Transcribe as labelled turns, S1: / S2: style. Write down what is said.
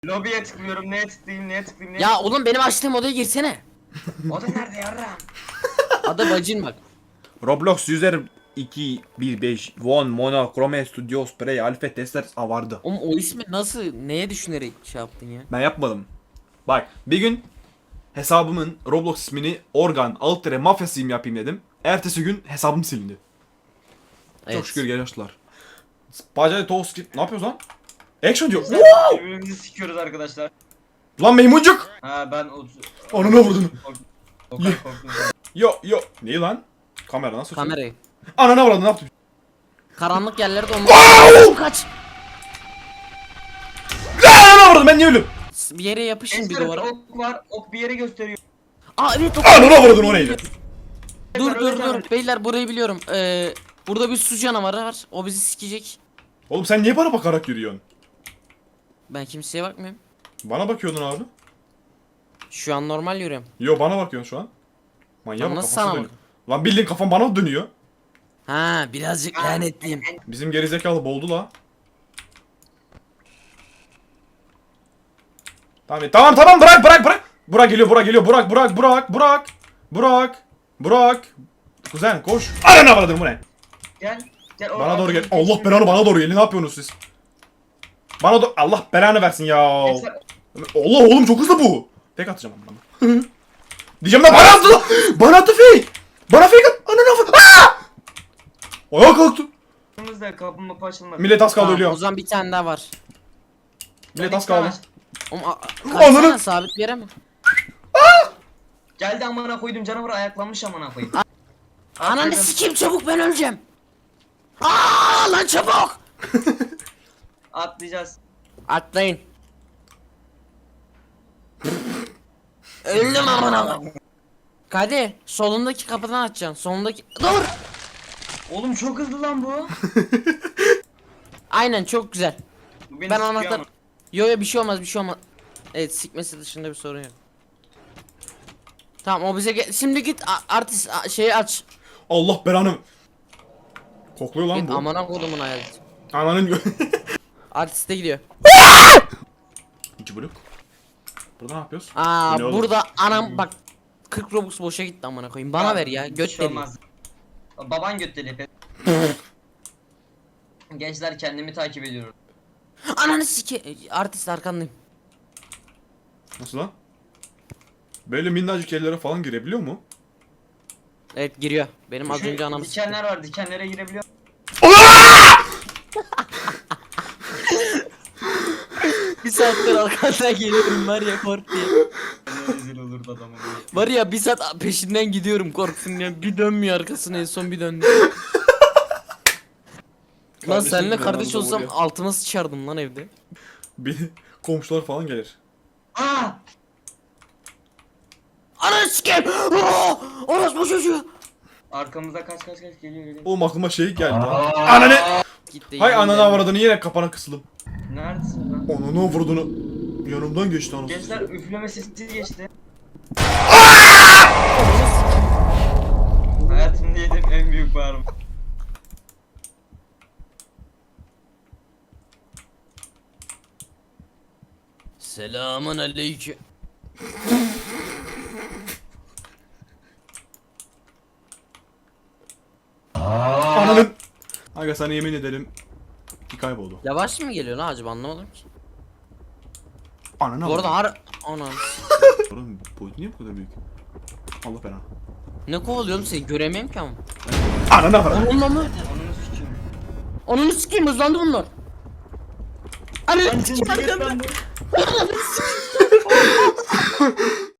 S1: Lobiye tıklıyorum, neye tıklayayım, neye tıklayayım, neye
S2: Ya oğlum benim açtığım odaya girsene.
S1: O da nerede yarram?
S2: Adı bacın bak.
S3: Roblox user 215 One Mono Chrome Studio Spray Alpha Testers vardı.
S2: Oğlum o ismi nasıl, neye düşünerek şey yaptın ya?
S3: Ben yapmadım. Bak bir gün hesabımın Roblox ismini Organ Altere Mafyasıyım yapayım dedim. Ertesi gün hesabım silindi. Çok şükür geliştiler. Bacay toast ne yapıyoruz lan? Action diyor.
S1: Birbirimizi sikiyoruz arkadaşlar.
S3: Lan maymuncuk.
S1: Ha ben
S3: Ananı vurdun.
S1: korktum.
S3: Yo yo. Neyi lan? Kamera nasıl?
S2: Kamerayı.
S3: Ananı vurdun ne yaptın?
S2: Karanlık yerlerde onları kaç.
S3: Ananı vurdun ben niye öldüm?
S2: Bir yere yapışın bir duvara.
S1: Ok var, ok bir yere gösteriyor.
S2: Aa evet o.
S3: Ananı vurdun o neydi?
S2: Dur. Beyler burayı biliyorum. Burada bir su canavarı var. O bizi sikecek.
S3: Oğlum sen niye bana bakarak yürüyorsun?
S2: Ben kimseye bakmıyorum.
S3: Bana bakıyordun abi.
S2: Şu an normal yürüyorum.
S3: Yo bana bakıyorsun şu an. Manyak
S2: Lan
S3: bak
S2: nasıl
S3: kafası
S2: sana
S3: dönüyor. Lan bildiğin kafam bana dönüyor.
S2: Ha birazcık lanetliyim.
S3: Bizim gerizekalı boğuldu la. Tamam bırak. Burak geliyor Burak. Kuzen koş. Ananı avradım bu ne?
S1: Gel.
S3: Bana doğru gel. Allah belanı bana doğru gelin. Ne yapıyorsunuz siz? Bana doğru Allah belanı versin ya. Allah oğlum çok hızlı bu. Fake atacağım bana. Diyeceğim de bana attı lan. Bana attı fake. Bana fake at. Ananı avradım. Ayağa kalktı.
S1: Kapımızda kapımı açılmadı.
S3: Millet az kaldı
S2: Tamam,
S3: ölüyor.
S2: o zaman bir tane daha var.
S3: Millet az kaldı.
S2: Oğlum
S3: Ananı-
S2: kaçsana sabit bir yere mi?
S1: Geldi amına koydum canavar ayaklanmış amına koyayım.
S2: Ananı
S1: Atladım.
S2: sikeyim çabuk ben öleceğim. Aa lan çabuk.
S1: Atlayacağız.
S2: Atlayın. Öldüm amına. Kadir solundaki kapıdan açacaksın. Solundaki. Dur.
S1: Oğlum çok hızlı lan bu.
S2: Aynen çok güzel.
S1: Bu beni
S2: Ben
S1: sikiyor
S2: anahtar.
S1: ama.
S2: Yo bir şey olmaz. Evet sikmesi dışında bir sorun yok. Tamam o bize şimdi git artist şeyi aç.
S3: Allah belanı. Kokluyor lan
S2: Git
S3: bu.
S2: amına kodumun hayat.
S3: Ananın
S2: Artiste gidiyor.
S3: 2 blok. Burada ne yapıyoruz?
S2: Aa
S3: Bu ne oğlum?
S2: burada anam bak 40 Robux boşa gitti amına koyayım. Bana ver ya
S1: Bir
S2: göt
S1: şey
S2: deli.
S1: olmaz. Baban göt deli. Gençler kendimi takip ediyorum.
S2: Ananı sike artist arkandayım.
S3: Nasıl lan? Böyle minnacık yerlere falan girebiliyor mu?
S2: Evet giriyor. Benim az
S1: Şu
S2: önce anamı sikti.
S1: dikenler var, dikenlere girebiliyor.
S2: Bir saattir arkandan geliyorum var ya kork diye.
S1: Ne rezil olurdu adamın.
S2: Var ya bir saat peşinden gidiyorum korksun ya. Bir dönmüyor arkasına en son bir döndü. Lan
S3: Kardeşim
S2: seninle
S3: ben
S2: kardeş
S3: orada
S2: olsam
S3: vuruyor.
S2: altıma sıçardım lan evde.
S3: Beni komşular falan gelir.
S1: Aa!
S2: Ananı sikeyim. Orospu çocuğu.
S1: Arkamızda kaç geliyor.
S3: Oğlum aklıma şey geldi. Ananı!
S2: Gitti.
S3: Hay
S2: yemin
S3: ananı
S2: ederim.
S3: avradını yine kapana kısıldım.
S1: Neredesin lan?
S3: Ananı avradını. Yanımdan geçti anasını.
S1: Gençler üfleme sesi geçti. Hayatımda yediğim en büyük bağırma.
S2: Selamun aleyküm.
S3: Ananın. Aga sana yemin ederim ki kayboldu.
S2: Yavaş mı geliyor lan acaba anlamadım ki.
S3: Ananı
S2: Bu arada
S3: avradını.
S2: Anam.
S3: Oğlum boyutu niye bu kadar büyük? Allah belanı.
S2: Ne kovalıyorum seni göremiyorum ki ama.
S3: Ananı avradını.
S2: Onunla mı?
S1: Onunu sikeyim.
S2: Onunu sikeyim hızlandı bunlar. Ananı
S1: Lan
S2: sikeyim
S1: cinsiyet
S2: arkamda.
S1: ben bu.